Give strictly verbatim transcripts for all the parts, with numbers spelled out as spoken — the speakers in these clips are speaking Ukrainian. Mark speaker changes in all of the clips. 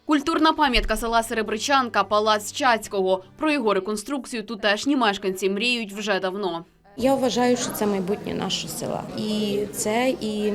Speaker 1: Культурна пам'ятка села Серебричанка – палац Чацького. Про його реконструкцію тутешні мешканці мріють вже давно.
Speaker 2: Я вважаю, що це майбутнє нашого села. І це і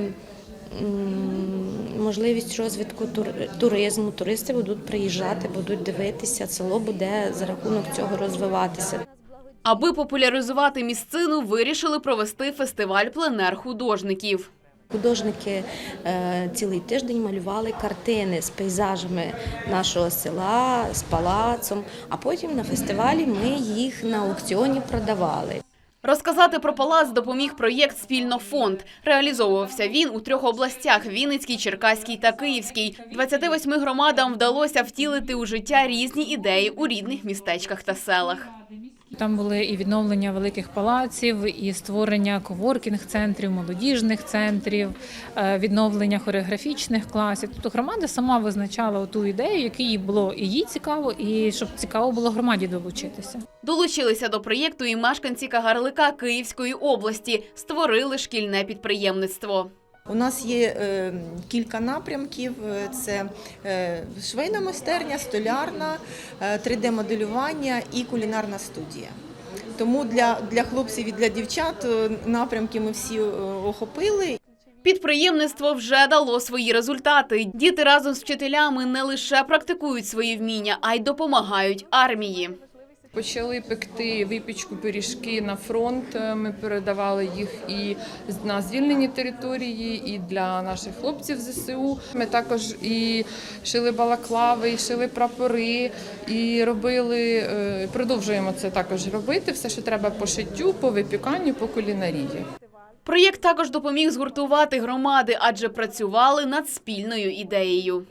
Speaker 2: можливість розвитку туризму. Туристи будуть приїжджати, будуть дивитися, село буде за рахунок цього розвиватися.
Speaker 1: Аби популяризувати місцину, вирішили провести фестиваль пленер-художників.
Speaker 2: Художники цілий тиждень малювали картини з пейзажами нашого села, з палацом, а потім на фестивалі ми їх на аукціоні продавали.
Speaker 1: Розказати про палац допоміг проєкт «Спільнофонд». Реалізовувався він у трьох областях – Вінницькій, Черкаській та Київській. двадцяти восьми громадам вдалося втілити у життя різні ідеї у рідних містечках та селах.
Speaker 3: Там були і відновлення великих палаців, і створення коворкінг-центрів, молодіжних центрів, відновлення хореографічних класів. Тобто громада сама визначала ту ідею, яку їй було і їй цікаво, і щоб цікаво було громаді долучитися.
Speaker 1: Долучилися до проєкту і мешканці Кагарлика Київської області. Створили шкільне підприємництво.
Speaker 4: У нас є е, кілька напрямків – це е, швейна майстерня, столярна, е, три де моделювання і кулінарна студія. Тому для, для хлопців і для дівчат напрямки ми всі охопили.
Speaker 1: Підприємництво вже дало свої результати. Діти разом з вчителями не лише практикують свої вміння, а й допомагають армії.
Speaker 5: Почали пекти випічку, пиріжки на фронт. Ми передавали їх і на звільнені території, і для наших хлопців зе се у. Ми також і шили балаклави, і шили прапори, і робили, продовжуємо це також робити, все, що треба по шиттю, по випіканню, по кулінарії.
Speaker 1: Проєкт також допоміг згуртувати громади, адже працювали над спільною ідеєю.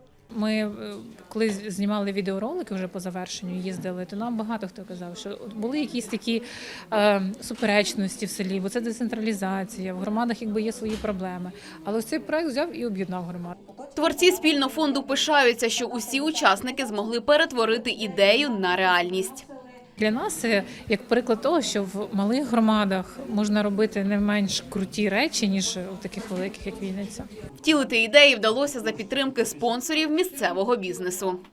Speaker 3: Ми, коли знімали відеоролики вже по завершенню, їздили, то нам багато хто казав, що були якісь такі е, суперечності в селі, бо це децентралізація, в громадах якби є свої проблеми. Але ось цей проект взяв і об'єднав громаду.
Speaker 1: Творці спільнофонду пишаються, що усі учасники змогли перетворити ідею на реальність.
Speaker 3: Для нас це як приклад того, що в малих громадах можна робити не менш круті речі, ніж у таких великих, як Вінниця.
Speaker 1: Втілити ідеї вдалося за підтримки спонсорів місцевого бізнесу.